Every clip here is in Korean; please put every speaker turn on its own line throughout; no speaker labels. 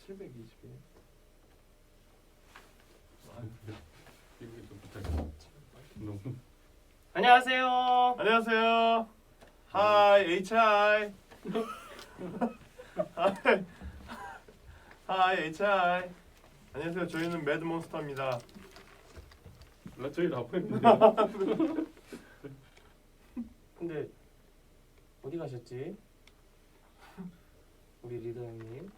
721.
이거 좀 부탁해. 너무.
안녕하세요.
안녕하세요. 하이 HI. 하이 HI. 안녕하세요. 저희는 매드몬스터입니다.
저희 라포인데.
근데 어디 가셨지? 우리 리더 형님.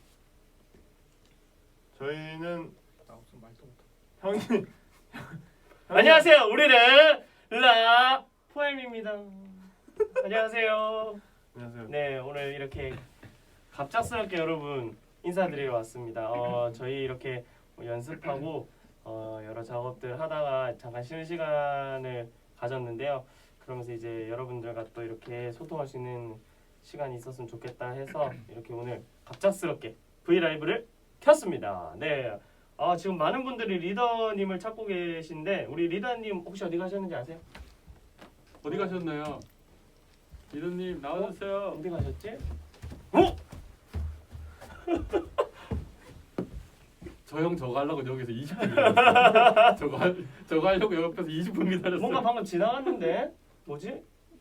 저희는
나 무슨 말도 못해.
형님.
안녕하세요. 우리는 라포엠입니다. 안녕하세요.
안녕하세요.
네, 오늘 이렇게 갑작스럽게 여러분 인사드리러 왔습니다. 저희 이렇게 연습하고 여러 작업들 하다가 잠깐 쉬는 시간을 가졌는데요. 그러면서 이제 여러분들과 또 이렇게 소통할 수 있는 시간이 있었으면 좋겠다 해서 이렇게 오늘 갑작스럽게 브이라이브를 켰습니다. 네, 지금 많은 분들이 리더님을 찾고 계신데 우리 리더님 혹시 어디 가셨는지 아세요?
어디 가셨나요? 리더님 나와주세요.
어디 가셨지?
저 형 저거 하려고 여기서 20분 기다렸어요. 저거 하려고 옆에서 20분 기다렸어요.
뭔가 방금 지나갔는데 뭐지?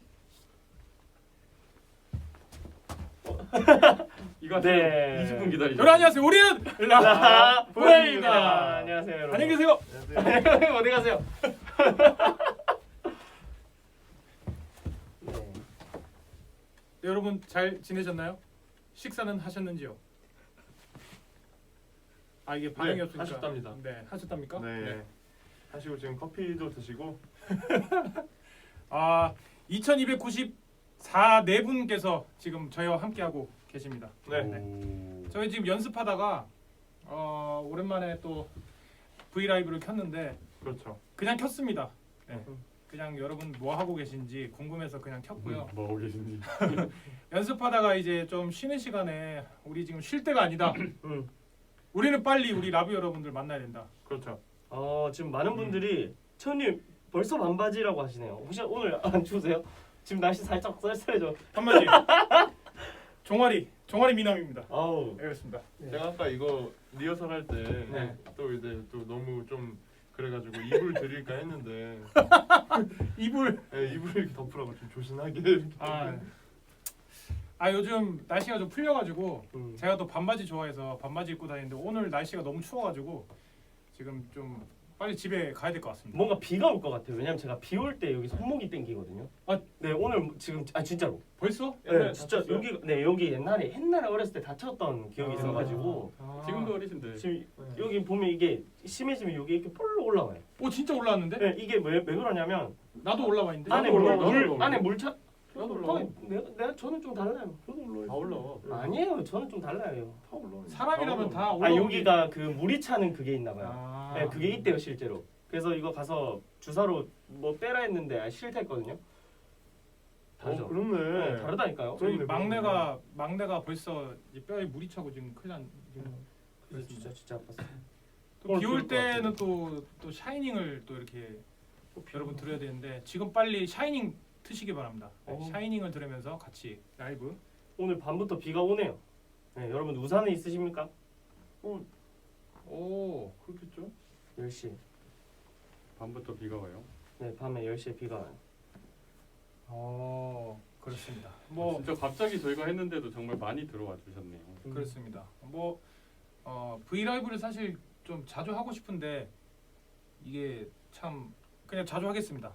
이거
네.
20분 기다리죠.
여러분 안녕하세요. 우리는
라포엠입니다. 안녕하세요, 여러분.
안녕히 계세요.
안녕하세요.
어디 가세요? 네.
네, 여러분 잘 지내셨나요? 식사는 하셨는지요? 이게 반응이
네,
없으니까.
하셨답니다.
네, 하셨답니까?
네. 하시고 지금 커피도 드시고
2294 네 분께서 지금 저희와 함께하고 계십니다.
네.
오.
저희 지금 연습하다가 오랜만에 또 브이라이브를 켰는데
그렇죠.
그냥 켰습니다. 네. 그냥 여러분 뭐 하고 계신지 궁금해서 그냥 켰고요.
뭐 하고 계신지.
연습하다가 이제 좀 쉬는 시간에 우리 지금 쉴 때가 아니다.
음.
우리는 빨리 우리 라비 여러분들 만나야 된다.
그렇죠.
지금 많은 분들이 천님 벌써 반바지라고 하시네요. 혹시 오늘 안 추우세요? 지금 날씨 살짝 쌀쌀해져.
한마디. 종아리 미남입니다.
아우.
네, 그렇습니다.
제가 아까 이거 리허설 할 때
네.
또 이제 또 너무 좀 그래가지고 이불 드릴까 했는데
이불.
네, 이불 이렇게 덮으라고 좀 조신하게.
요즘 날씨가 좀 풀려가지고
음.
제가 또 반바지 좋아해서 반바지 입고 다니는데 오늘 날씨가 너무 추워가지고 지금 좀 빨리 집에 가야 될 것 같습니다.
뭔가 비가 올 것 같아요. 왜냐면 제가 비 올 때 여기 손목이 땡기거든요. 네, 오늘 지금 진짜로.
벌써?
네, 진짜 여기 옛날에 어렸을 때 다쳤던 기억이
아.
있어가지고
지금도 어리신데.
지금 여기 보면 이게 심해지면 여기 이렇게 볼로 올라와요.
오 진짜 올라왔는데?
네, 이게 왜 그러냐면
나도 올라와 있는데.
안에
나도 올라와.
안에 물차.
나도 올라와.
내가 저는 좀 달라요.
저도 올라와.
다 올라와.
아니에요, 저는 좀 달라요.
다 올라와.
사람이라면 다 올라.
여기가 그 물이 차는 그게 있나 봐요. 네, 그게
있
있대요 실제로. 그래서 이거 가서 주사로 뭐 빼라 했는데 싫댔거든요. 다르죠.
그렇네.
네, 다르다니까요.
저희
그렇네,
막내가 벌써 이제 뼈에 물이 차고 지금 큰일 난.
그래서 진짜 아팠어요.
비 올
그럴 것
때는 또 샤이닝을 또 이렇게 여러분 들어야 되는데 지금 빨리 샤이닝 트시기 바랍니다. 네, 샤이닝을 들으면서 같이 라이브.
오늘 밤부터 비가 오네요. 네, 여러분 우산은 있으십니까?
오.
그렇겠죠.
10시.
밤부터 비가 와요.
네, 밤에 10시에 비가 와요.
그렇습니다.
진짜 갑자기 저희가 했는데도 정말 많이 들어와 주셨네요.
그렇습니다. 브이라이브를 사실 좀 자주 하고 싶은데 이게 참 그냥 자주 하겠습니다.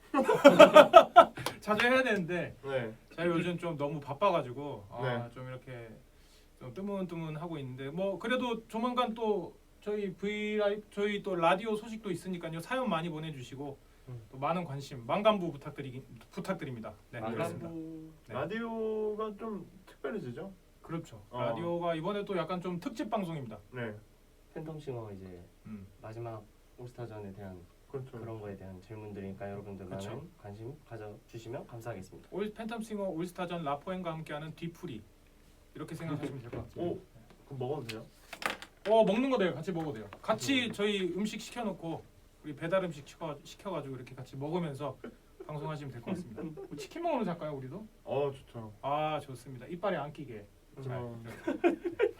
자주 해야 되는데
네.
제가 요즘 좀 너무 바빠가지고
네.
좀 이렇게 좀 뜨문뜨문 하고 있는데 그래도 조만간 또 저희 저희 또 라디오 소식도 있으니까요. 사연 많이 보내주시고 또 많은 관심 만감부 부탁드립니다. 네, 그렇습니다. 네.
라디오가 좀 특별해지죠.
그렇죠.
어.
라디오가 이번에 또 약간 좀 특집 방송입니다.
네.
팬텀싱어 이제
음.
마지막 올스타전에 대한
그렇죠.
그런 거에 대한 질문들이니까 여러분들
그쵸.
많은 관심 가져주시면 감사하겠습니다.
팬텀싱어 올스타전 라포엔과 함께하는 뒤풀이 이렇게 생각하시면 될 것 같습니다.
오, 그럼 먹어도 돼요?
먹는 거 돼요. 같이 먹어도 돼요. 같이 저희 음식 시켜놓고 우리 배달 음식 시켜가지고 이렇게 같이 먹으면서 방송하시면 될 것 같습니다. 치킨 먹으러 갈까요, 우리도?
좋죠.
좋습니다. 이빨에 안 끼게. 잘.
어.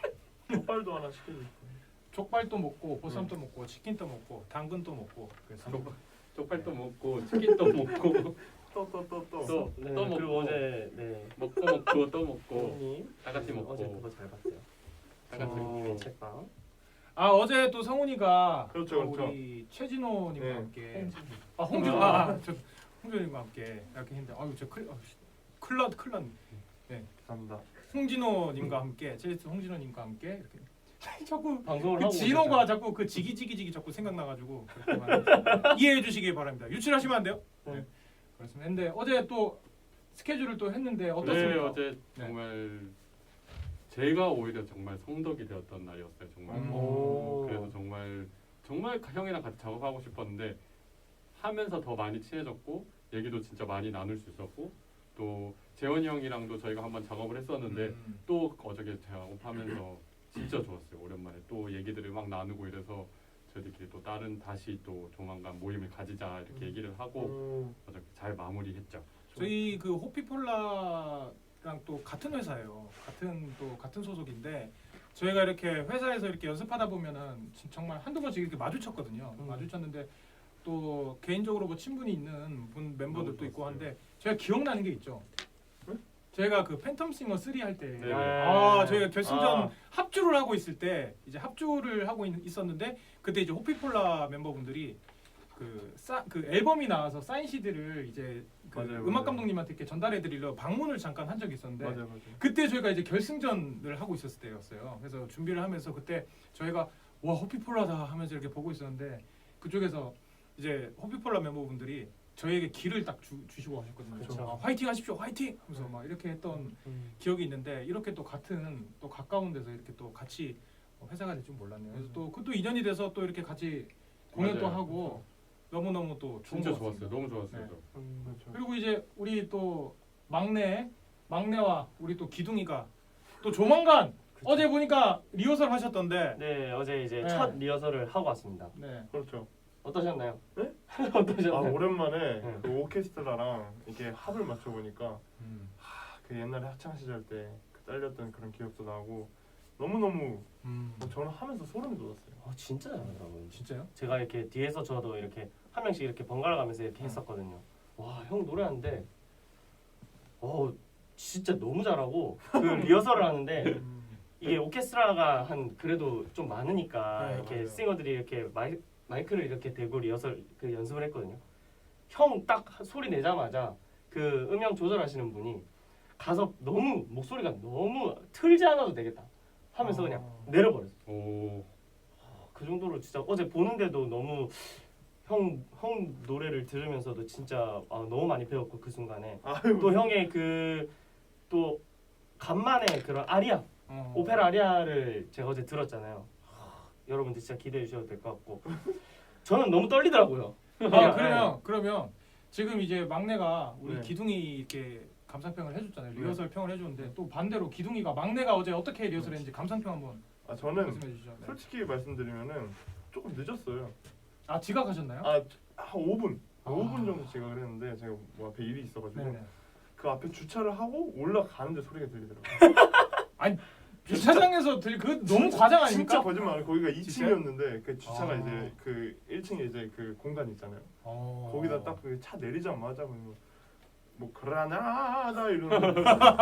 족발도 하나 시켜주고.
족발도 먹고 보쌈도 먹고 치킨도 먹고 당근도 먹고 그래서
쪽팔도 먹고 치킨도 먹고
또.
네,
또
그리고
먹고.
어제 네.
먹고 또 먹고
성우님
다 같이 먹고.
어제 그거 잘 봤어요.
다 같이
성우님의 책방.
아 어제 또 성훈이가
그렇죠,
또
그렇죠.
우리 최진호님과
네.
함께 홍준호 저 홍준호님과 함께 이렇게 했는데 아유 저 클럽
감사합니다.
홍진호님과 함께 제이스 홍진호님과 함께 이렇게 자꾸
방송을
그
하고
진호가
오셨잖아요.
자꾸 그 지기지기지기 자꾸 생각나가지고 이해해 주시기 바랍니다. 유출하시면 안 돼요? 네. 그렇습니다. 근데 어제 또 스케줄을 또 했는데
네,
어떻습니까?
어제
네.
정말 제가 오히려 정말 성덕이 되었던 날이었어요. 정말.
오.
그래서 정말 형이랑 같이 작업하고 싶었는데 하면서 더 많이 친해졌고 얘기도 진짜 많이 나눌 수 있었고 또 재원이 형이랑도 저희가 한번 작업을 했었는데 또 어저께 작업하면서 진짜 좋았어요. 오랜만에 또 얘기들을 막 나누고 이래서 저희들끼리 또 다시 또 조만간 모임을 가지자 이렇게 얘기를 하고 어저께 잘 마무리했죠.
저희 그 호피폴라랑 또 같은 회사예요. 같은 소속인데 저희가 이렇게 회사에서 이렇게 연습하다 보면은 정말 한두 번씩 이렇게 마주쳤거든요. 마주쳤는데 또 개인적으로 뭐 친분이 있는 분 멤버들도 있고 한데 제가 기억나는 게 있죠. 저희가 그 팬텀싱어 3 할 때
네.
저희가 결승전 합주를 하고 있을 때 이제 합주를 하고 있었는데 그때 이제 호피폴라 멤버분들이 그 앨범이 나와서 사인 CD를 이제 그
맞아요,
음악
맞아요.
감독님한테 이렇게 전달해 드리려 방문을 잠깐 한 적이 있었는데
맞아요.
그때 저희가 이제 결승전을 하고 있었을 때였어요. 그래서 준비를 하면서 그때 저희가 와 호피폴라다 하면서 이렇게 보고 있었는데 그쪽에서 이제 호피폴라 멤버분들이 저희에게 기를 딱 주시고 하셨거든요.
그쵸.
아, 화이팅 하십시오, 화이팅! 하면서 막 이렇게 했던 기억이 있는데 이렇게 또 같은 또 가까운 데서 이렇게 또 같이 회사가 될 줄 몰랐네요. 그래서 또 그것도 인연이 돼서 또 이렇게 같이 공연도
맞아요.
하고 너무너무 또 좋은
진짜
것 같습니다.
좋았어요. 너무 좋았어요.
네.
저.
그렇죠.
그리고 이제 우리 또 막내와 우리 또 기둥이가 또 조만간 어제 보니까 리허설 하셨던데
네, 어제 이제
네.
첫 리허설을 하고 왔습니다.
네.
그렇죠.
어떠셨나요?
네?
어떠셨나요?
오랜만에
네.
그 오케스트라랑 이렇게 합을 맞춰 보니까 그 옛날에 학창 시절 때 그 딸렸던 그런 기억도 나고 너무 저는 하면서 소름이 돋았어요.
진짜 잘하더라고요.
진짜요?
제가 이렇게 뒤에서 저도 이렇게 한 명씩 이렇게 번갈아 가면서 이렇게 했었거든요. 와, 형 노래하는데 진짜 너무 잘하고 그 리허설을 하는데 이게 오케스트라가 한 그래도 좀 많으니까
네,
이렇게
맞아요.
싱어들이 이렇게 마이크를 이렇게 대고 리허설 그 연습을 했거든요. 형 딱 소리 내자마자 그 음량 조절하시는 분이 가서 너무 목소리가 너무 틀지 않아도 되겠다 하면서 그냥 내려버렸어.
오.
그 정도로 진짜 어제 보는데도 너무 형 노래를 들으면서도 진짜 너무 많이 배웠고 그 순간에
아유,
또 형의 그 또 간만에 그런 아리아 오페라 아리아를 제가 어제 들었잖아요. 여러분들 진짜 기대해 주셔도 될 것 같고 저는 너무 떨리더라고요.
그러면 지금 이제 막내가 우리
네.
기둥이 이렇게 감상평을 해줬잖아요. 리허설 평을 해줬는데 또 반대로 기둥이가 막내가 어제 어떻게 리허설했는지 감상평 한번
저는
말씀해 주시죠. 네.
솔직히 말씀드리면은 조금 늦었어요.
아 지각하셨나요?
한 5분.
아.
5분 정도 지각을 했는데 제가 뭐 앞에 일이 있어가지고
네네.
그 앞에 주차를 하고 올라가는데 소리가 들리더라고요.
주차장에서 그 너무 과장
진짜
아닙니까?
거짓말. 거기가
진짜요?
2층이었는데 그 주차가
아.
이제 그 1층에 이제 그 공간 있잖아요. 거기다 딱 그 차 내리자마자 뭐 그라나다 이러는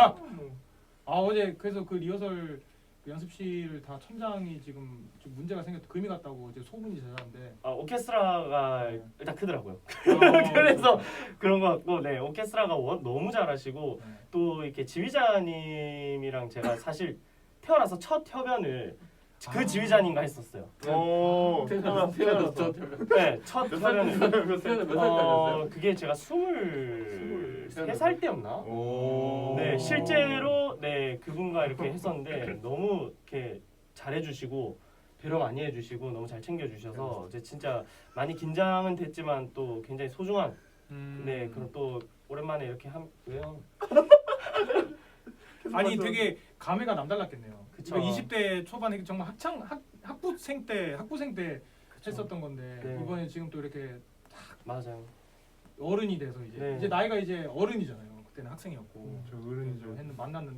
어제 그래서 그 리허설 그 연습실 다 천장이 지금 좀 문제가 생겼다 금이 갔다고 이제 소문이 제자는데
오케스트라가
네.
일단 크더라고요. 그래서 그런 것 같고 네 오케스트라가 너무 잘하시고
네.
또 이렇게 지휘자님이랑 제가 사실 태어나서 첫 협연을 그 지휘자님과 했었어요.
태어났어.
네, 첫 협연을
몇 살 때였어요?
그게 제가 23살 때였나?
오.
네, 실제로 네 그분과 이렇게 했었는데 너무 이렇게 잘해주시고 배려 많이 해주시고 너무 잘 챙겨주셔서 이제 진짜 많이 긴장은 됐지만 또 굉장히 소중한 네 그런 또 오랜만에 이렇게 왜요?
아니 되게 감회가 남달랐겠네요.
그쵸.
20대 초반에 정말 학부생 때 했었던 건데
네.
이번에 지금 또 이렇게
맞아요.
어른이 돼서 이제
네.
이제 나이가 이제 어른이잖아요. 그때는 학생이었고
저 어른이죠.
만났는데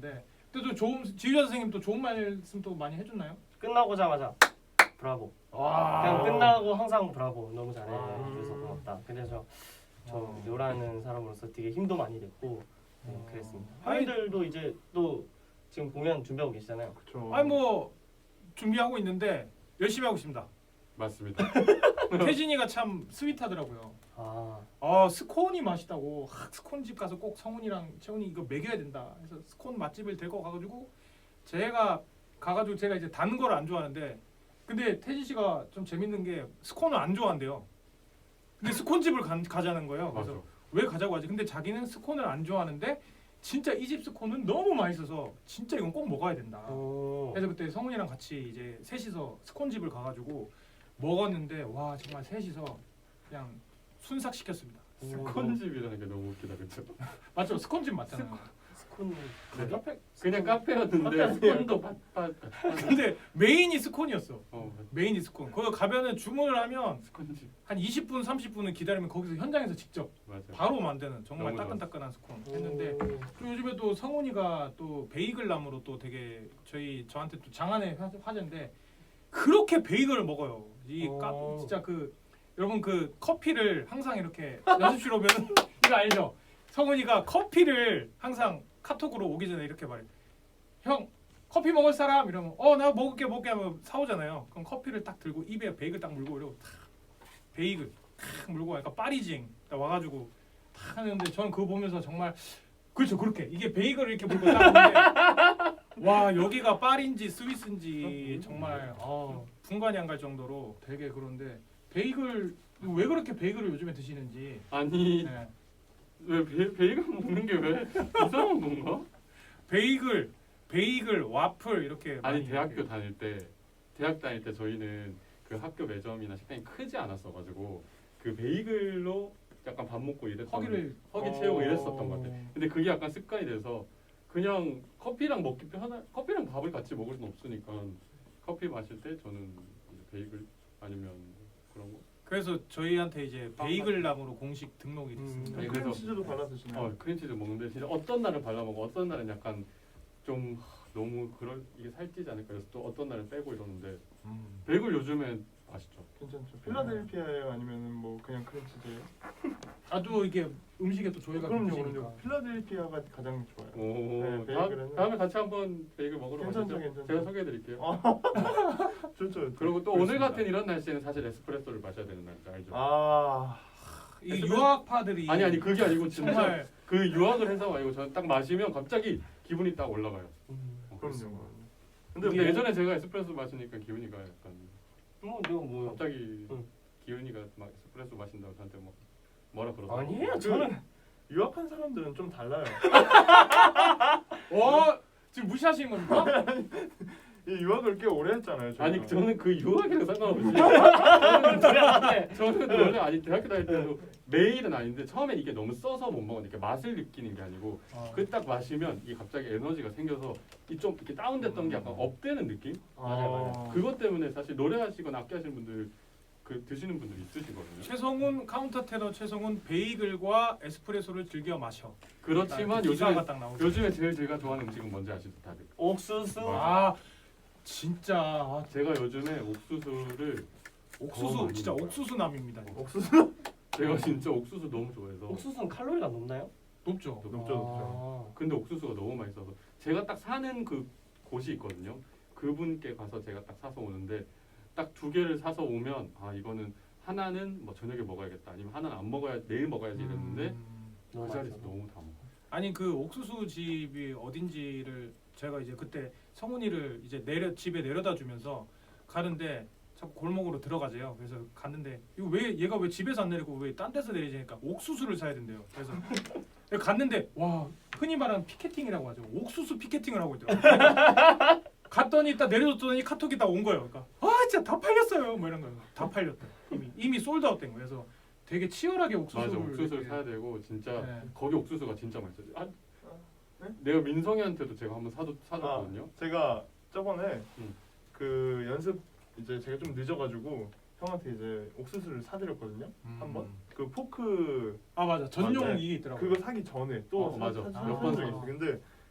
그때도 좋은 지휘자 선생님 또 좋은 말씀 또 많이 해줬나요?
끝나고자마자 브라보.
와.
그냥 끝나고 항상 브라보. 너무 잘해.
아.
그래서 고맙다. 그래서 저 요라는 사람으로서 되게 힘도 많이 됐고 그랬습니다. 형님들도 이제 또 지금 공연 준비하고 계시잖아요.
그쵸.
아니 뭐 준비하고 있는데 열심히 하고 있습니다.
맞습니다.
태진이가 참 스윗하더라고요.
아,
스콘이 맛있다고 스콘집 가서 꼭 성훈이랑 채훈이 이거 먹여야 된다. 그래서 스콘 맛집을 데리고 가가지고 제가 가가지고 제가 이제 단 걸 안 좋아하는데 근데 태진 씨가 좀 재밌는 게 스콘을 안 좋아한대요. 근데 스콘집을 가자는 거예요.
맞아.
그래서 왜 가자고 하지? 근데 자기는 스콘을 안 좋아하는데 진짜 이 집 스콘은 너무 맛있어서 진짜 이건 꼭 먹어야 된다.
오.
그래서 그때 성훈이랑 같이 이제 셋이서 스콘집을 가가지고 먹었는데 와 정말 셋이서 그냥 순삭시켰습니다.
스콘집이라는 게 너무 웃기다 그쵸?
맞죠? 스콘집 맞잖아요.
스콘
네.
카페.
그냥 카페였는데
카페
스콘도 팥.
근데 메인이 스콘이었어.
어
메인이 스콘. 거기 가면은 주문을 하면
스콘집
한 20분, 30분은 기다리면 거기서 현장에서 직접
맞아.
바로 만드는 정말
너무
따끈따끈한 스콘 했는데 그리고 요즘에 또 성훈이가 또 베이글 나무로 또 되게 저한테 또 장안의 화제인데 그렇게 베이글을 먹어요. 진짜 그 여러분 그 커피를 항상 이렇게 연습실 오면 이거 알죠? 성훈이가 커피를 항상 카톡으로 오기 전에 이렇게 말해. 형 커피 먹을 사람 이러면 나 먹을게 하면 사오잖아요. 그럼 커피를 딱 들고 입에 베이글 딱 물고 이러고 탁 베이글 탁 물고 약간 파리징 딱 와가지고 탁 하는데 저는 그거 보면서 정말 그렇죠 그렇게 이게 베이글을 이렇게 물고 딱 보는데 와 여기가 파리인지 스위스인지 정말 분간이 안 갈 정도로 되게 그런데 베이글 왜 그렇게 베이글을 요즘에 드시는지
아니
네.
왜 베이글 먹는 게 왜 이상한 건가?
베이글 와플 이렇게
아니
많이
대학교
이렇게.
대학 다닐 때 저희는 그 학교 매점이나 식당이 크지 않았어가지고 그 베이글로 약간 밥 먹고 이랬던 허기 채우고 이랬었던 것 같아. 근데 그게 약간 습관이 돼서 그냥 커피랑 커피랑 밥을 같이 먹을 순 없으니까 커피 마실 때 저는 이제 베이글 아니면 그런 거.
그래서 저희한테 이제 베이글 나무로 공식 등록이 됐습니다.
아니,
크림
그래서-
치즈도 발라 드시나요?
크림치즈 먹는데 진짜 어떤 날은 발라 먹고 어떤 날은 약간 좀 너무 이게 살찌지 않을까 그래서 또 어떤 날은 빼고 이러는데 베이글 요즘엔 맛있죠.
괜찮죠. 필라델피아예요, 아니면은 뭐 그냥 크림 치즈예요?
아주 이게 음식에 또 조예가
그럼요,
깊으니까.
그럼요. 필라델피아가 가장 좋아요.
오,
네, 베이글은
다음에 같이 한번 베이글 먹으러
괜찮죠,
가시죠.
괜찮죠.
제가 소개해드릴게요.
좋죠.
그리고 또
그렇습니다.
오늘 같은 이런 날씨에는 사실 에스프레소를 마셔야 되는 날이죠, 알죠?
이 유학파들이
아니 그게 아니고 진짜
정말
그 유학을 해서 아니고 저는 딱 마시면 갑자기 기분이 딱 올라가요.
그럼요.
근데
이게-
예전에 제가 에스프레소 마시니까 기분이가 약간
뭐
갑자기
응.
기훈이가 막 에스프레소 마신다고 저한테 막 뭐라 그러더라고요.
아니에요. 저는
유학한 사람들은 좀 달라요.
지금 무시하시는 겁니까?
이 유학을 꽤 오래 했잖아요. 저희가.
아니 저는 그 유학이랑 상관없이 저는 원래 아니 대학교 다닐 때도 매일은 아닌데 처음엔 이게 너무 써서 못 먹으니까 맛을 느끼는 게 아니고 그 딱 마시면 이게 갑자기 에너지가 생겨서 이 좀 이렇게 다운됐던 게 약간 업되는 느낌?
맞아요.
그것 때문에 사실 노래하시거나 악기하시는 분들 그 드시는 분들 있으시거든요.
최성훈 카운터 테너 최성훈 베이글과 에스프레소를 즐겨 마셔.
그렇지만
기사가 딱 나오죠.
요즘에 제일 제가 좋아하는 음식은 뭔지 아시죠 다들?
옥수수.
진짜
제가 요즘에 옥수수를
옥수수
많이
진짜
먹어요.
옥수수남입니다.
옥수수
제가 진짜 옥수수 너무 좋아해서
옥수수는 칼로리가 높나요?
높죠.
높죠.
근데 옥수수가 너무 맛있어서 제가 딱 사는 그 곳이 있거든요. 그분께 가서 제가 딱 사서 오는데 딱 2개를 사서 오면 이거는 하나는 뭐 저녁에 먹어야겠다 아니면 하나는 안 먹어야 내일 먹어야지 이랬는데
너무
그 자리에서
맛있어.
너무 다 먹어.
아니 그 옥수수 집이 어딘지를 제가 이제 그때 성훈이를 이제 집에 내려다 주면서 가는데 자꾸 골목으로 들어가재요. 그래서 갔는데 이거 왜 얘가 왜 집에서 안 내리고 왜 딴 데서 내리지니까 옥수수를 사야 된대요. 그래서 갔는데 와 흔히 말하는 피케팅이라고 하죠. 옥수수 피케팅을 하고 있더라고요. 갔더니 딱 내려줬더니 카톡이 딱 온 거예요. 그러니까 진짜 다 팔렸어요. 뭐 이런 거예요. 다 팔렸다. 이미 솔드아웃된 거예요. 그래서 되게 치열하게 옥수수를
맞아 옥수수를
이렇게-
사야 되고 진짜
네.
거기 옥수수가 진짜 맛있어요.
네?
내가 민성이한테도 제가 한번 사줬거든요.
제가 저번에
응.
그 연습 이제 제가 좀 늦어가지고 형한테 이제 옥수수를 사드렸거든요. 한번 그 포크
맞아 전용
맞아요.
이게 있더라고요.
그거 사기 전에 또
맞아.
사-
몇
사준
번
적이
사.
있어. 근데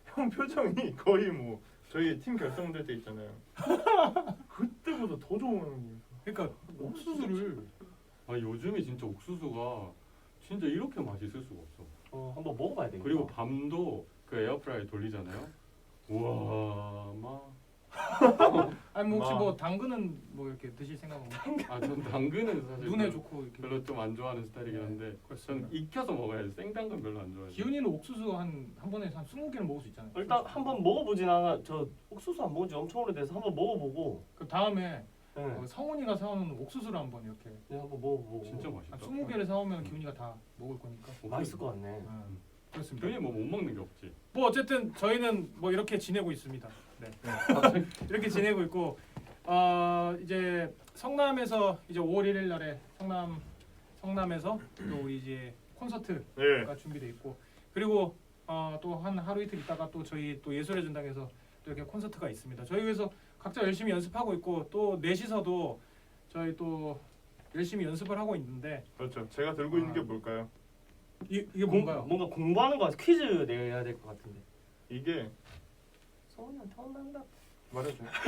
형 표정이 거의 뭐 저희 팀 결성될 때 있잖아요. 그때보다 더 좋은 거예요.
그러니까 옥수수를
아 요즘에 진짜 옥수수가 진짜 이렇게 맛있을 수가 없어.
한번 먹어봐야 되겠다.
그리고 밤도 그 에어프라이 돌리잖아요. 우와 막.
아니 뭐 혹시
마.
뭐 당근은 뭐 이렇게 드실 생각은
아전 당근은 사실
눈에 좋고 이렇게
별로 좀 안 좋아하는 스타일이긴 한데
그렇습니다.
저는 익혀서 먹어야지 생당근 별로 안 좋아해요.
기훈이는 옥수수 한 번에 한 20개는 먹을 수 있잖아요.
일단 한번 먹어보진 않아. 저 옥수수 안 먹은 지 엄청 오래돼서 한번 먹어보고.
그 다음에
네.
성훈이가 사오는 옥수수를 한번 이렇게
네, 한번 먹어보고.
진짜
한
맛있다.
20개를 사오면 기훈이가 다 먹을 거니까.
맛있을 것 같네.
그렇습니다.
괜히 뭐 못 먹는 게 없지.
뭐 어쨌든 저희는 뭐 이렇게 지내고 있습니다. 네. 이렇게 지내고 있고 이제 성남에서 이제 5월 1일 날에 성남에서 또 우리 이제 콘서트가
예.
준비돼 있고 그리고 또 한 하루 이틀 있다가 또 저희 또 예술의 전당에서 또 이렇게 콘서트가 있습니다. 저희 그래서 각자 열심히 연습하고 있고 또 넷이서도 저희 또 열심히 연습을 하고 있는데
그렇죠. 제가 들고 있는 게 뭘까요?
이게 뭔가요?
뭔가 공부하는 거 같아. 퀴즈 내야 될 것 같은데.
이게
성훈이한테 혼난다.
말해도 돼요?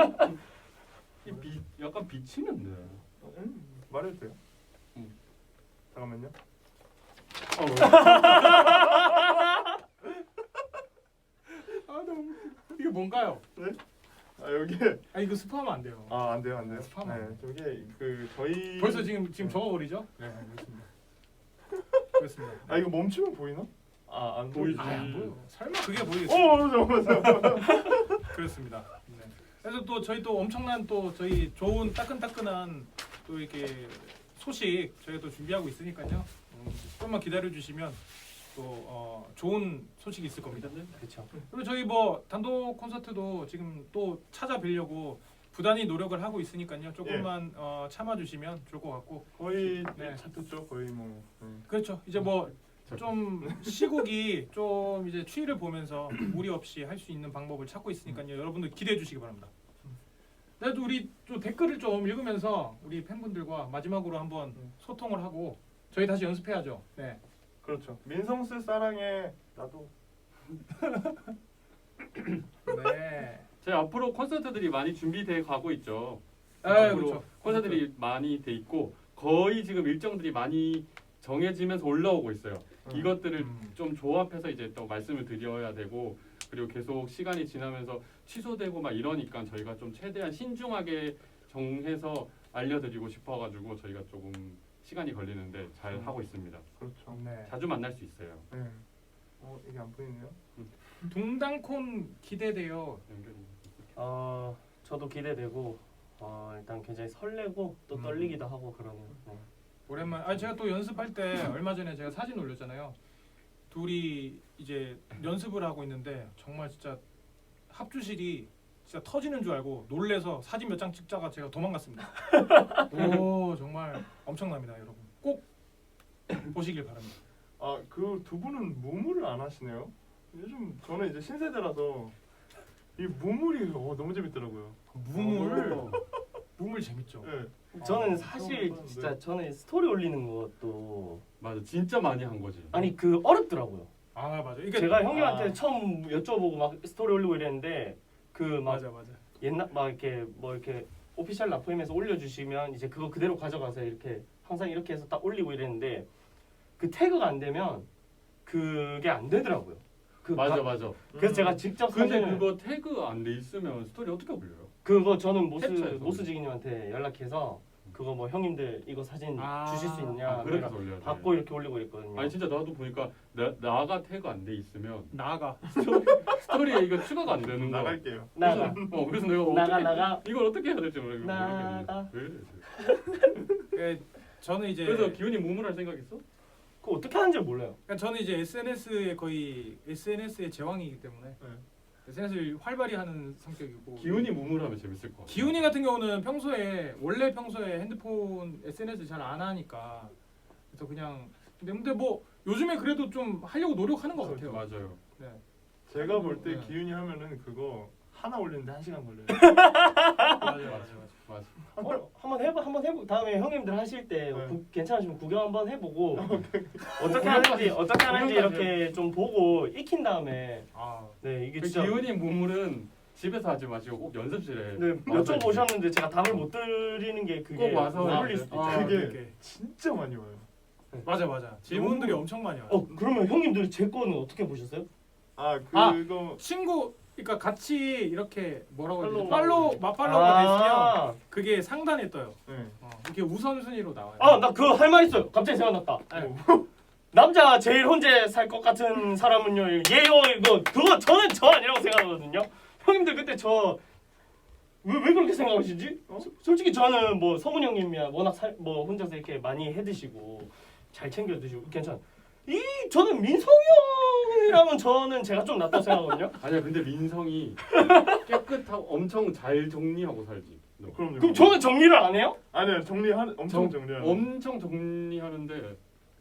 약간 비치는데.
말해도 돼요?
응.
잠깐만요.
너무 이게 뭔가요?
아 여기
이거 스포하면 안 돼요.
안 돼요, 안 돼요.
스파만.
네, 저게 그 저희
벌써 지금 적어버리죠? 네, 그렇습니다. 그렇습니다.
아 이거 멈추면 보이나?
안
보이지.
안 보여. 설마 그게 보이겠어요?
잠깐만.
그렇습니다. 네. 그래서 또 저희 또 엄청난 또 저희 좋은 따끈따끈한 또 이렇게 소식 저희가 또 준비하고 있으니까요. 조금만 기다려 주시면 또 좋은 소식이 있을 겁니다.
그렇죠.
그리고 저희 뭐 단독 콘서트도 지금 또 찾아뵈려고 부단히 노력을 하고 있으니까요. 조금만 참아 주시면 좋을 것 같고.
거의
네.
차트죠. 거의 뭐.
그렇죠. 이제 뭐 좀 시국이 좀 이제 추위를 보면서 무리 없이 할 수 있는 방법을 찾고 있으니까요. 여러분들 기대해 주시기 바랍니다. 그래도 우리 좀 댓글을 좀 읽으면서 우리 팬분들과 마지막으로 한번 소통을 하고 저희 다시 연습해야죠. 네.
그렇죠. 민성스 사랑해. 나도.
네.
저희 앞으로 콘서트들이 많이 준비돼 가고 있죠.
아,
앞으로
그렇죠.
콘서트들이 많이 돼 있고 거의 지금 일정들이 많이 정해지면서 올라오고 있어요. 이것들을 좀 조합해서 이제 또 말씀을 드려야 되고 그리고 계속 시간이 지나면서 취소되고 막 이러니까 저희가 좀 최대한 신중하게 정해서 알려드리고 싶어가지고 저희가 조금 시간이 걸리는데 잘 하고 있습니다.
그렇죠.
네.
자주 만날 수 있어요.
네. 이게 안 보이네요.
동당콘 기대돼요.
연결이.
저도 기대되고 일단 굉장히 설레고 또 떨리기도 하고 그러네요. 네.
오랜만. 제가 또 연습할 때 얼마 전에 제가 사진 올렸잖아요. 둘이 이제 연습을 하고 있는데 정말 진짜 합주실이 진짜 터지는 줄 알고 놀래서 사진 몇 장 찍다가 제가 도망갔습니다. 오 정말 엄청납니다, 여러분. 꼭 보시길 바랍니다.
그 두 분은 무물을 안 하시네요. 요즘 저는 이제 신세대라서 이 무물이 너무 재밌더라고요.
무물 재밌죠.
네.
저는 사실
처음
진짜 저는 스토리 올리는 것도
맞아, 진짜 많이 한 거지.
아니 어렵더라고요.
맞아. 이게
제가 형님한테 처음 여쭤보고 막 스토리 올리고 이랬는데 그 막
맞아.
옛날 막 이렇게 뭐 이렇게 오피셜 라포임에서 올려주시면 이제 그거 그대로 가져가서 이렇게 항상 이렇게 해서 딱 올리고 이랬는데 그 태그가 안 되면 그게 안 되더라고요.
맞아.
그래서 제가 직접
근데
사진을
그거 태그 안 돼 있으면 스토리 어떻게 올려요?
그거 저는
캡처해서
모스지기님한테 연락해서 그거 뭐 형님들 이거 사진 주실 수 있냐
아, 그렇게 해서 올려야 돼.
받고 이렇게 올리고 있거든요.
아니 진짜 나도 보니까 나가 태그 안 돼 있으면
나가.
스토리에 이거 추가가 안 되는 거.
나갈게요.
나가
그래서 내가
나가
이걸 어떻게 해야 될지 모르겠네.
나가.
왜 이래?
저는 이제
그래서 기훈이 무물할 생각 있어?
그거 어떻게 하는지 몰라요.
그러니까 저는 이제 SNS의 거의 SNS의 제왕이기 때문에
네.
SNS를 활발히 하는 성격이고
기훈이 무물하면 재밌을 것 같아.
기훈이 같은 경우는 평소에 핸드폰 SNS 잘 안 하니까 그래서 그냥 근데 뭐 요즘에 그래도 좀 하려고 노력하는 것 같아요.
맞아요.
네.
제가 볼 때
네.
기윤이 하면은 그거 하나 올리는데 1시간 걸려요.
맞아.
한번 해보. 다음에 형님들 하실 때
네.
괜찮으시면 구경 한번 해보고 어떻게
구경까지,
하는지
구경까지
이렇게 좀 보고 익힌 다음에
아,
네 이게
그
진짜
기훈이 문물은 집에서 하지 마시고 꼭 연습실에
네,
와서
여쭤보셨는데 제가 답을 못 드리는 게 그게
꼭 와서
어울릴 수도 있죠.
아,
그게
그게.
진짜 많이 와요.
맞아. 질문들이 엄청 많이 와요.
그러면 형님들 제 거는 어떻게 보셨어요?
아
아.
그거
친구 그러니까 같이 이렇게 뭐라고 해야 되지?
팔로우.
맞팔로우가 됐으면
아,
그게 상단에 떠요.
네.
이렇게 우선순위로 나와요.
나 그거 할 말 있어요. 갑자기 생각났다.
네.
남자 제일 혼자 살 것 같은 사람은요. 예요 이거 그거 저는 저 아니라고 생각하거든요. 형님들 그때 저 왜 그렇게 생각하시지? 솔직히 저는 뭐 성훈 형님이야 워낙 뭐 혼자서 이렇게 많이 해 드시고 잘 챙겨 드시고 괜찮아. 저는 민성이 형이라면 저는 제가 좀 낫다고 생각하거든요.
아니야 근데 민성이 깨끗하고 엄청 잘 정리하고 살지. 너.
그럼요.
그럼 저는 정리를 안 해요?
아니요 엄청 정리하는.
엄청 정리하는데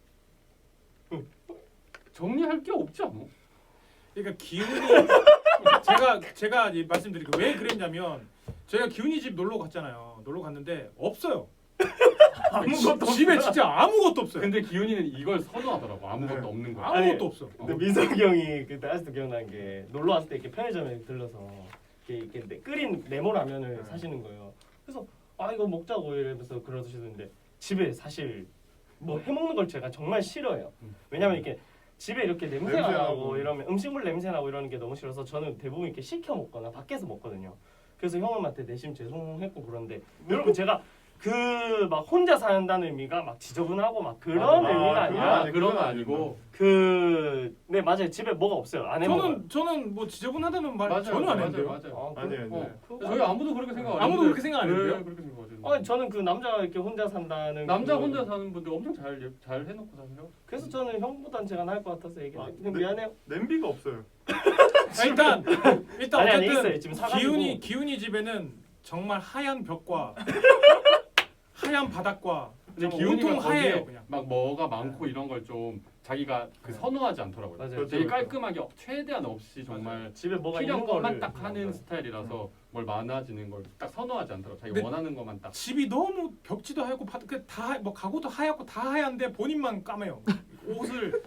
정리할 게 없지 않아?
그러니까 기훈이 제가 이제 말씀드릴게요. 왜 그랬냐면 제가 기훈이 집 놀러 갔잖아요. 놀러 갔는데 없어요.
아무것도
집에 진짜 아무것도 없어요.
근데 기훈이는 이걸 선호하더라고. 아무것도
네.
없는 거야.
아무것도 없어.
근데 민석이 형이 그때 아직도 기억나는 게 놀러 왔을 때 이렇게 편의점에 들러서 이렇게 끓인 네모라면을 사시는 거예요. 그래서 이거 먹자고 이러면서 그러시는데 집에 사실 뭐 해먹는 걸 제가 정말 싫어해요. 왜냐면 이렇게 집에 이렇게 냄새가
냄새
나고
나고.
이러면 음식물 냄새 나고 이러는 게 너무 싫어서 저는 대부분 이렇게 시켜 먹거나 밖에서 먹거든요. 그래서 형님한테 내심 죄송했고 그런데 여러분 제가 그 막 혼자 산다는 의미가 막 지저분하고 막 그런 의미가 아니라
그런 거 아니고
네 맞아요. 집에 뭐가 없어요. 안 해먹어요.
저는 뭐 지저분하다는 말
맞아요.
전혀 안
맞아요.
했는데요.
맞아요.
아니에요.
어.
그거
저희 아무도 그렇게 생각 안
아무도
했는데
그렇게 생각 안 했는데요?
네, 그렇게 생각하죠.
아니 저는 그 남자 이렇게 혼자 산다는
남자
그-
혼자 사는 분들 엄청 잘 해놓고 사세요.
그래서 저는 형보단 제가 나을 것 같아서 얘기해요.
네.
미안해요.
냄비가 없어요.
일단
아니 있어요.
어쨌든
지금 사가지고
기훈이 집에는 정말 하얀 벽과 하얀 바닥과
근데
정말
기훈이가
온통 하얘요
거기에
그냥.
막 뭐가 많고 이런 걸 좀 자기가 그 선호하지 않더라고요.
맞아요.
되게
그렇죠.
깔끔하게 최대한 없이 정말
집에 뭐가
필요한
있는
것만
거를
딱 하는 스타일이라서 뭘 많아지는 걸 딱 선호하지 않더라고. 자기
근데
원하는 것만 딱.
집이 너무 벽지도 하얗고 다뭐 가구도 하얗고 다 하얀데 본인만 까매요. 옷을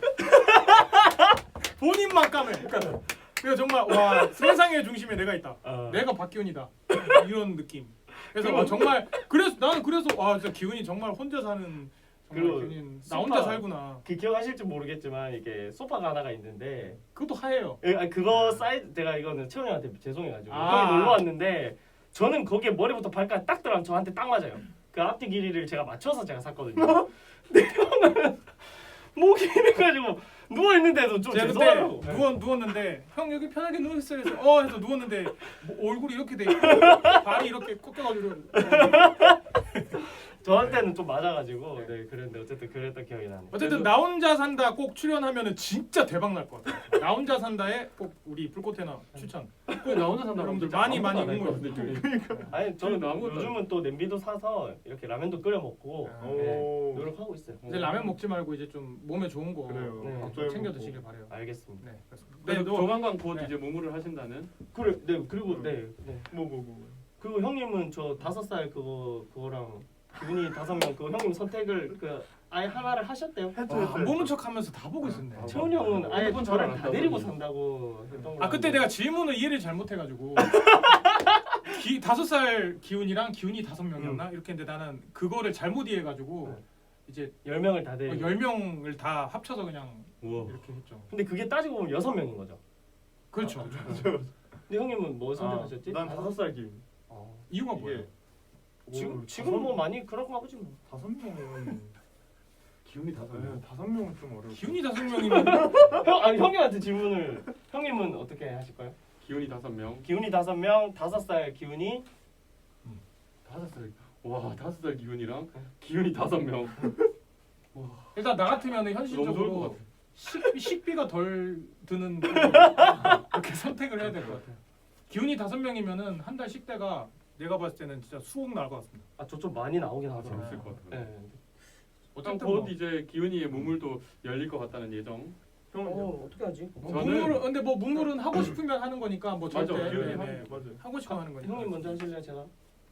본인만 까매. 그러니까 정말 와 세상의 중심에 내가 있다. 내가 박기훈이다. 이런 느낌. 그래서 정말 나는 그래서 진짜 기훈이 정말 혼자 사는
그리고
정말 기훈이 나 혼자
소파.
살구나.
그 기억하실지 모르겠지만 이게 소파가 하나가 있는데
그것도 하얘요.
그거 사이즈 제가 이거는 채훈 형한테 죄송해가지고
아.
형이 놀러 왔는데 저는 거기에 머리부터 발까지 딱 들어가면 저한테 딱 맞아요. 그 앞뒤 길이를 제가 맞춰서 제가 샀거든요. 근데 형은 목이 이래가지고 누워 있는데도 좀
제가
죄송하다고.
그때 누웠는데 형 여기 편하게 누웠어요. 해서 누웠는데 뭐 얼굴이 이렇게 돼 있고 발이 이렇게 꺾여가지고
저한테는 좀 맞아가지고 네 그랬는데 어쨌든 그랬던 기억이 나네.
어쨌든 나 혼자 산다 꼭 출연하면은 진짜 대박 날 것 같아요. 나 혼자 산다에 꼭 우리 불꽃해나 추천.
나 혼자 산다.
여러분들
진짜
많이
아무것도 안
응원해.
했거든요.
아니 저는
저는 아무것도
요즘은 또 냄비도 사서 이렇게 라면도 끓여 먹고
아,
오.
노력하고 있어요.
이제 라면 먹지 말고 이제 좀 몸에 좋은 거
그래요.
네.
좀
갑자기
챙겨
먹고.
드시길 바래요.
알겠습니다.
네, 그렇습니다.
그래서
너
조만간 곧
네.
이제 무무를 하신다는.
그래 네 그리고 네.
뭐.
그리고 형님은 저 5살 그거랑 기분이 5명 그 형님 선택을 아예 하나를 하셨대요.
안 보는 척하면서 다 보고 있었네.
아,
채훈이 형은 아예
핸드폰
저를
잘
다
안
데리고
따더니.
산다고 했던 거.
그때 내가 질문을 이해를 잘못해가지고 5살 기훈이랑 기훈이 5명이었나 이렇게 했는데 나는 그거를 잘못 이해해가지고 이제
10명을 다 데리고.
10명을 다 합쳐서 그냥
우와.
이렇게 했죠.
근데 그게 따지고 보면 6명인 거죠.
그렇죠.
근데 형님은 뭐 선택하셨지?
난 5살 기운.
이유가 뭐예요?
지금 뭐 많이 그런가 보지 뭐.
5명은
기운이 다
네, 5명은 좀 어려워.
기훈이 5명이면
형님한테 질문을 형님은 어떻게 하실 거예요?
기운이 5명.
기훈이 5명, 5살 기훈이
5살. 와 5살 기훈이랑 기훈이 5명.
일단 나 같으면
너무 좋을 것
현실적으로
같아.
식비가 덜 드는 쪽으로 이렇게 선택을 해야 될 것 같아요. 기훈이 5명이면은 한 달 식대가 내가 봤을 때는 진짜 수억 나올 것 같습니다.
저 좀 많이 나오긴 하더라고요.
재밌을 것 같아요.
네.
어쨌든
뭐.
곧 이제 기훈이의 무물도 열릴 것 같다는 예정.
형은요?
어떻게 하지?
저는-
문물은 근데 뭐 문물은 하고 싶으면 하는 거니까 뭐 절대
맞아, 기훈이
네,
하는
네.
거 맞아요.
하고 싶으면 하는 거니까.
형님 먼저 하실래요, 제가?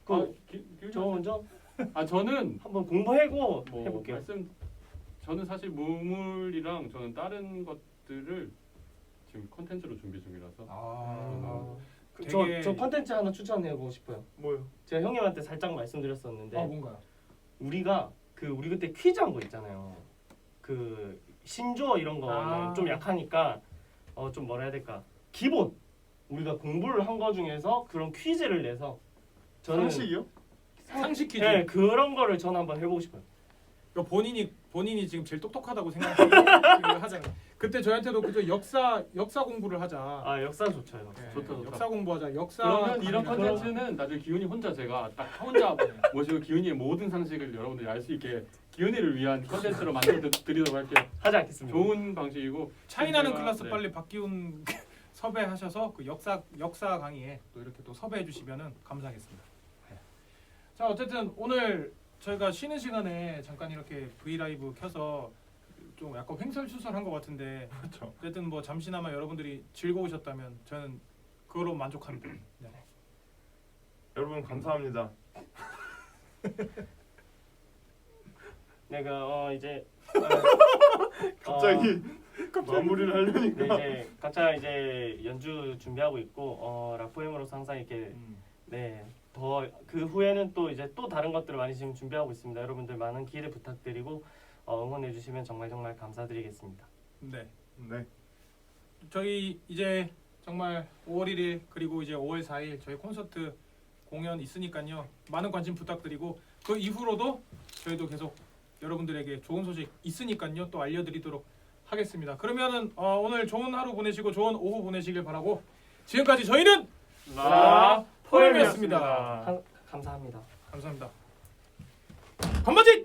저 먼저
저는
한번 공부하고
뭐
해볼게요.
저는 사실 무물이랑 저는 다른 것들을 지금 컨텐츠로 준비 중이라서
되게-
저 컨텐츠 하나 추천해보고 싶어요.
뭐요?
제가 형님한테 살짝 말씀드렸었는데
뭔가요?
우리가 우리 그때 퀴즈 한 거 있잖아요. 그 신조어 이런 거는 좀 약하니까 좀 뭐라 해야 될까? 기본 우리가 공부를 한 거 중에서 그런 퀴즈를 내서 저는
상식이요?
상식 퀴즈.
네, 그런 거를 저는 한번 해보고 싶어요.
그러니까 본인이 지금 제일 똑똑하다고 생각하잖아요. 그때 저한테도 그저 역사 공부를 하자.
아 역사 좋죠.
네,
좋다.
역사 공부하자. 역사
그러면 이런
강의나
컨텐츠는 나중에 기훈이 혼자 제가 딱 혼자 모시고 기훈이의 모든 상식을 여러분들이 알 수 있게 기훈이를 위한 컨텐츠로 만들어 드리도록 할게요.
하지 않겠습니다.
좋은 방식이고
차이나는
제가-
클래스
네.
빨리 박기훈 섭외하셔서 그 역사 강의에 또 이렇게 또 섭외해 주시면은 감사하겠습니다. 네. 자 어쨌든 오늘 저희가 쉬는 시간에 잠깐 이렇게 V 라이브 켜서 좀 약간 횡설수설한 것 같은데
그렇죠.
어쨌든 뭐 잠시나마 여러분들이 즐거우셨다면 저는 그거로 만족합니다. 네.
여러분 감사합니다.
내가 이제
갑자기 마무리를 하려니까.
네, 이제 각자 이제 연주 준비하고 있고 라포엠으로서 항상 이렇게 더 그 후에는 또 이제 또 다른 것들을 많이 지금 준비하고 있습니다. 여러분들 많은 기대 부탁드리고 응원해 주시면 정말 감사드리겠습니다.
네.
네.
저희 이제 정말 5월 1일 그리고 이제 5월 4일 저희 콘서트 공연 있으니까요. 많은 관심 부탁드리고 그 이후로도 저희도 계속 여러분들에게 좋은 소식 있으니까요. 또 알려드리도록 하겠습니다. 그러면은 오늘 좋은 하루 보내시고 좋은 오후 보내시길 바라고 지금까지 저희는
라
포엠이었습니다.
감사합니다.
감사합니다. 건반지!